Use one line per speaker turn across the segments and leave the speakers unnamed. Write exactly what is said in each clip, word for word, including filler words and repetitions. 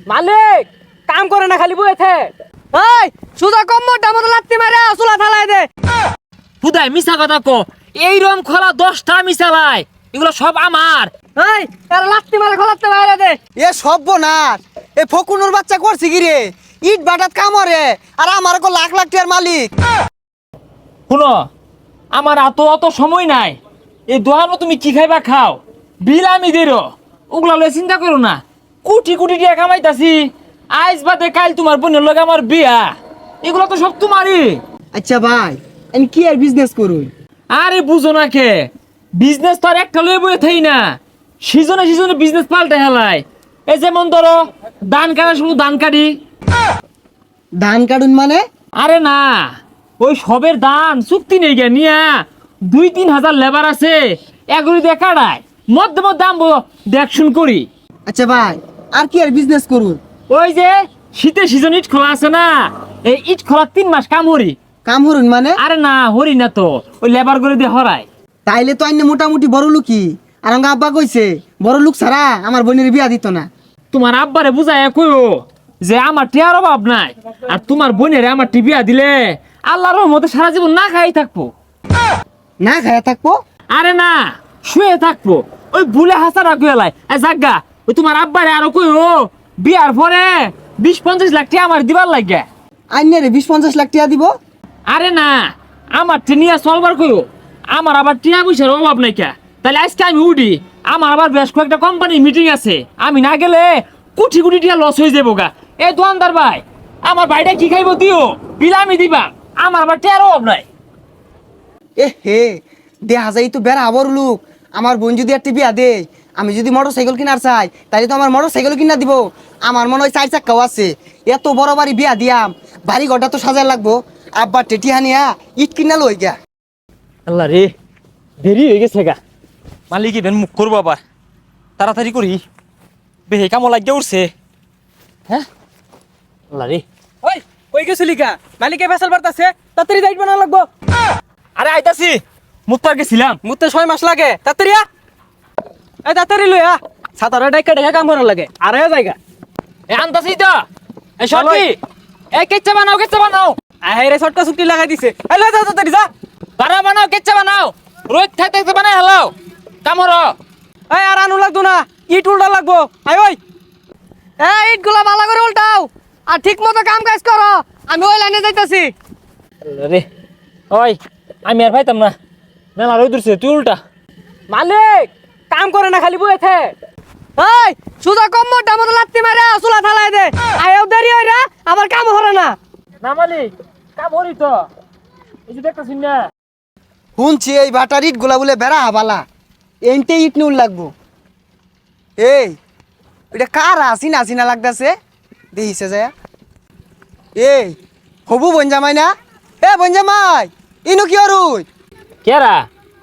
মালিক কাম করে না খালি বইতে। এই সুদা কম্মরটা মতো লাত্তি মারে চুলা থালাই দে।
হুদাই মিছা কথা কো, এই রম খোলা দশটা মিশালাই, এগুলো সব আমার।
এই এর লাত্তি মারে খোলাতে বাইরে দে।
এ সর্বনাশ, এ ফকুনুর বাচ্চা করছে কি রে? ইট বাটাত কামরে আর আমার কো লাখ লাখ টাকার মালিক।
শুনো, আমার এত অত সময় নাই। এই দোকানও তুমি কি খাইবা খাও, বিল আমি দেরো, ওগুলা লয়ে চিন্তা করো না। কোটি কোটি টাকা কামাইতাছি, আজ বাদে কাল তোমার বোনের লগে আমার বিয়া, এগুলো তো সব তোমারই।
আচ্ছা ভাই, আমি কি আর বিজনেস করুই?
আরে বুঝো না কে, বিজনেস তো আর একটা লয়ে বয়ে থাই না, সিজনে সিজনে বিজনেস পাল্টে হেলায়। এই যেমন ধরো ধান কাটা, শুধু ধান কাটি।
ধান কাটুন মানে?
আরে না, ওই সবের ধান চুক্তি নেই গে নিয়া, দুই তিন হাজার লেবার আছে, এগুলি দিয়ে কাটায়, মধ্যে মধ্যে আমবো দেখশুন করি।
আচ্ছা ভাই, আর কি আর বিজনেস করুন?
ওই যে শীতের সিজন ইট খোলা আছে না, এই ইট খোলা তিন মাস কাম হরি।
কাম হরুন মানে?
আরে না, হরি না তো, ওই লেবার করে দিয়ে হরায়।
তাইলে তো আইনে মোটামুটি বড় লোকই। আর আমার আব্বা কইছে বড় লোক ছাড়া আমার বোনের বিয়া দিত না।
তোমার আব্বারে বুঝায় কইও যে আমার টিয়ার অভাব নাই, আর তোমার বোনের আমার টিবিয়া দিলে আল্লাহর রহমতে সারা জীবন না খাই থাকবো।
না খায়া থাকবো?
আরে না, শুয়ে থাকবো। ওই ভুলে হাসারা কইলাই জাগা, ওই তোমার আব্বারে আরো কইও বিয়ার পরে বিশ পঞ্চাশ লাখ টাকা আমার দিবার লাগে।
আইনে রে বিশ পঞ্চাশ লাখ টাকা দিব?
আরে না, আমার টিনিয়া চলবার কইও, আমার আবার টিয়া পয়সার অভাব নাই কে। তাহলে আজকে আমি উঠি, আমার আবার বেশ কয়েকটা কোম্পানির মিটিং আছে, আমি না গেলে কোটি কোটি টাকা লস হয়ে যাবো গা। এই দোকানদার ভাই, আমার ভাইটা কি খাইবো দিও, বিল আমি দিবা, আমার আবার টিয়ার অভাব নাই।
এ হে, দেখা যায় তো বেড়া বড় লোক। আমার বোন যদি একটা বিয়া দে, আমি যদি মোটর সাইকেল কিনার চাই, তাহলে তো আমার মোটর সাইকেল কিনা দিব। আমার মনে হয় চার চাক্কাও আছে। এত বড় বাড়ি বিয়া দিয়াম, বাড়ি ঘরটা তো সাজায় লাগবো। আব্বা টেটি হানিয়া ইট কিনা লই গা।
আল্লাহ রে, দেরি হয়ে গেছে গা। মালিক ইভেন মুখ করবো আবার, তাড়াতাড়ি করি, বেহে কামো লাগিয়ে উঠছে। হ্যাঁ আল্লাহ রে।
ওই কই গেছিলি কা? মালিকে ফেসাল বাড়তাছে, তাড়াতাড়ি যাইব না লাগবো।
আরে আইতাছি, মুক্তার গেছিলাম।
মুতে ছয় মাস লাগে, তাড়াতাড়ি আ। এই তাড়াতাড়ি লই আ, সাতারা ডাইকা ডাইকা কাম করার লাগে। আরে জায়গা
এ আনতাছি তো, এই সরকি, এই কেচ্চা বানাও, কেচ্চা বানাও।
আহে রে শর্টটা চুক্তি লাগাই দিছে। এই লই যা তাড়াতাড়ি যা।
বানা বানাও, কেচ্চা বানাও, রোজ থাকতে থাকতে বানাই হেলাও, কামড়।
এই আর আনু লাগতো না, ইট উল্টা লাগবো। আই ওই এই ইট গুলা ভালো করে উল্টাও, আর ঠিক মতো কাম কাজ করো। আমি ওই লাইনে যাইতাছি।
রে ওই, আমি আর পাইতাম না, মেলা রোদ উঠছে, তুই উল্টা।
মালিক কাম করে না খালি বইতে। এই সুদা কম্মরটা মতো লাত্তি মারে চুলা থালাই দে। আয়ও দেরি হই রা, আবার কাম হরে না।
না মালিক, কাম হরি তো, এই যে দেখতেছি না।
শুনছি এই বাটার ইট গুলা বলে বেড়া বালা, এনতে ইট নুল লাগবো। এই এটা কার আসিনা আসিনা লাগতেছে, দেখিছে যায়। এই হবু বনজামাই না? এ বনজামাই, ইনু কি অরুই?
কেরা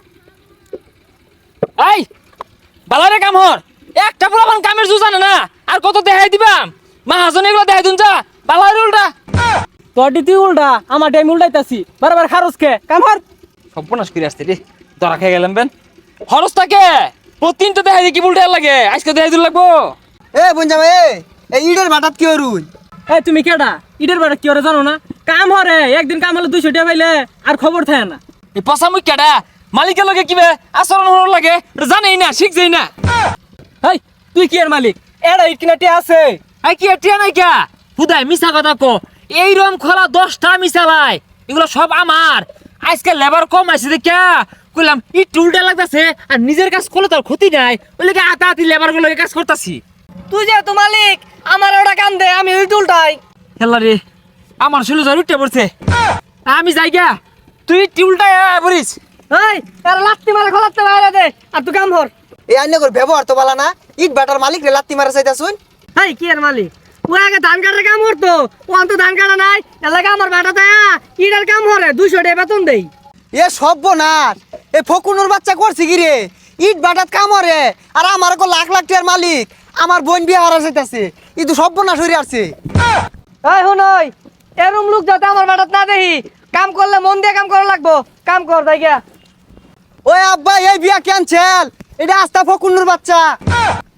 এই বালারে কাম হর, একটা পুরান কামের জু জানে না, আর কত দেখাই দিবাম। মাহাজন এগুলো দেখাই দুন যা, বালারে উল্টা।
তোর তুই উল্টা, আমার টাইম উল্টাইতাছি। বারবার খারস কে কাম হর।
সর্বনাশ করে আসতে রে, ধরা খেয়ে গেলাম বেন। খরচ থাকে প্রতিদিন তো দেখাই দি, কি উল্টা লাগে, আজকে দেখাই দিন লাগবো।
এ বনজামাই, এই ইটের বাটাত কি অরুই?
এই তুমি কেডা? ইটের বাড়ি কি ওরে জানো না? কাম হরে, একদিন কাম হলে দুইশো টাকা পাইলে আর খবর থাকে না।
এই পচা মুখ কেডা, মালিকের লগে কিবে আচরণ হওয়ার লাগে জানেই না, শিখছেই না।
এই তুই কি এর মালিক? এডা ইট কিনাটি আছে।
আই কি এটিয়া নাই কা, হুদাই মিছা কথা কো, এই রম খোলা দশটা মিশালাই, এগুলো সব আমার। আজকে লেবার কম আছে দেখা কইলাম ইট উল্টা লাগতাছে, আর নিজের কাজ করলে তোর ক্ষতি নাই, ওই লেগে আতা আতি লেবার গুলো কাজ করতাছি।
তুই যে তো মালিক, আমার ওটা কাম দে, আমি ইট উল্টাই।
হেলা রে, আমার শুলে জ্বর উঠতে পড়ছে, আমি যাই গা, তুই টিউলটাই বলিস।
এই এর লাত্তি মারে খোলাতে বাইরে দে, আর তুই কাম হর।
এই আইনে করে ব্যবহার তো বালা না, ইট বাটার মালিক রে লাত্তি মারা চাইতা শুন।
এই কি এর মালিক? ও আগে ধান কাটার কাম করতো, ও অন্ত ধান কাটা নাই, এলাকা আমার বেটা দেয়া ইটার কাম হরে, দুইশো টাকা বেতন দেই।
এ সর্বনাশ, এ ফকুনুর বাচ্চা করছে কি রে? ইট বাটাত কামরে আর আমার কো লাখ লাখ টাকার মালিক, আমার বোন বিয়া হারা চাইতাছে। ই তো সর্বনাশ হইরে আসছে।
এই হুনই, এরম লোক যাতে আমার বেটাত না দেখি, কাম করলে মন দিয়ে কাম করা লাগবো। কাম কর যাই গিয়া।
ওই আব্বা, এই বিয়া ক্যান্সেল, এটা আস্তা ফকুনুর বাচ্চা।